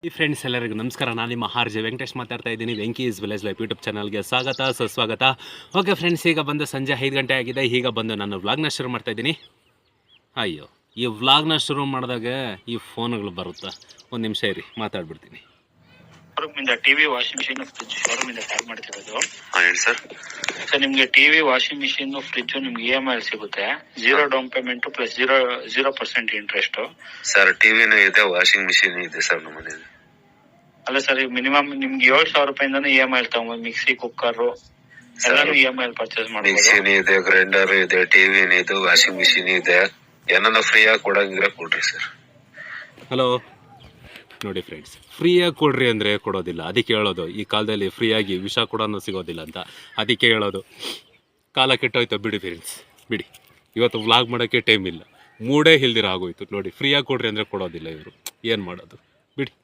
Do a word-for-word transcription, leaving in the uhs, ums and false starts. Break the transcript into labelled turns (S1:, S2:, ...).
S1: ಈ ಫ್ರೆಂಡ್ಸ್ ಎಲ್ಲರಿಗೂ ನಮಸ್ಕಾರ. ನಾನು ನಿಮ್ಮ ಆರ್ ಜೆ ವೆಂಕಟೇಶ್ ಮಾತಾಡ್ತಾ ಇದ್ದೀನಿ. Venki is village life YouTube ಚಾನಲ್ಗೆ ಸ್ವಾಗತ ಸುಸ್ವಾಗತ. ಓಕೆ ಫ್ರೆಂಡ್ಸ್, ಈಗ ಬಂದು ಸಂಜೆ ಐದು ಗಂಟೆ ಆಗಿದೆ. ಈಗ ಬಂದು ನಾನು ವ್ಲಾಗ್ನ ಶುರು ಮಾಡ್ತಾ ಇದ್ದೀನಿ. ಅಯ್ಯೋ, ಈ ವ್ಲಾಗ್ನ ಶುರು ಮಾಡಿದಾಗ ಈ ಫೋನ್ಗಳು ಬರುತ್ತೆ. ಒಂದು ನಿಮಿಷ ಇರಿ, ಮಾತಾಡ್ಬಿಡ್ತೀನಿ.
S2: ಶೋರೂಮಿಂದ ಟಿವಿ ವಾಷಿಂಗ್ ಮಿಷಿನ್ ಫ್ರಿಜ್ ಶೋರೂಮಿಂದ ಕಾಲ್ ಮಾಡ್ತಿರೋದು.
S3: ಹೇಳಿ ಸರ್.
S2: ಸರ್, ನಿಮ್ಗೆ ಟಿವಿ ವಾಷಿಂಗ್ ಮಿಷಿನ್ ಫ್ರಿಜ್ ನಿಮ್ಗೆ ಇ ಎಂ ಐ ಸಿಗುತ್ತೆ. Zero down payment plus zero zero percent interest.
S3: Sir, ಟಿವಿನೂ ಇದೆ, ವಾಷಿಂಗ್ ಮಿಷಿನ್ ಇದೆ ಸರ್ ನಮ್ಮ ಮನೇಲಿ.
S2: ಅಲ್ಲ ಸರ್, ಮಿನಿಮಮ್ ನಿಮ್ಗೆ ಏಳು ಸಾವಿರ ರೂಪಾಯಿಂದಾನು ಇ ಎಂ ಐ ತಗೊಂಬೋದು. ಮಿಕ್ಸಿ, ಕುಕ್ಕರ್ ಎಲ್ಲಾನು ಇ ಎಂ ಐ ಪರ್ಚೇಸ್ ಮಾಡ್ಬೋದು.
S3: ಮಿಕ್ಸಿನೂ ಇದೆ, ಗ್ರೈಂಡರ್ ಇದೆ, ಟಿವಿನೂ ಇದೆ, ವಾಷಿಂಗ್ ಮಿಷಿನ್ ಇದೆ. ಏನಾನ ಫ್ರೀ ಆಗಿ ಕೊಡಂಗಿದ್ರೆ ಕೊಡ್ರಿ ಸರ್.
S1: ಹಲೋ ನೋಡಿ ಫ್ರೆಂಡ್ಸ್, ಫ್ರೀಯಾಗಿ ಕೊಡ್ರಿ ಅಂದರೆ ಕೊಡೋದಿಲ್ಲ. ಅದಕ್ಕೆ ಹೇಳೋದು, ಈ ಕಾಲದಲ್ಲಿ ಫ್ರೀಯಾಗಿ ವಿಷ ಕೂಡ ಸಿಗೋದಿಲ್ಲ ಅಂತ. ಅದಕ್ಕೆ ಹೇಳೋದು, ಕಾಲ ಕೆಟ್ಟೋಯ್ತು. ಬಿಡಿ ಫ್ರೆಂಡ್ಸ್, ಬಿಡಿ. ಇವತ್ತು ವ್ಲಾಗ್ ಮಾಡೋಕ್ಕೆ ಟೈಮ್ ಇಲ್ಲ, ಮೂಡೇ ಇಲ್ದಿರ ಆಗೋಯ್ತು ನೋಡಿ. ಫ್ರೀಯಾಗಿ ಕೊಡ್ರಿ ಅಂದರೆ ಕೊಡೋದಿಲ್ಲ ಇವರು. ಏನು ಮಾಡೋದು, ಬಿಡಿ.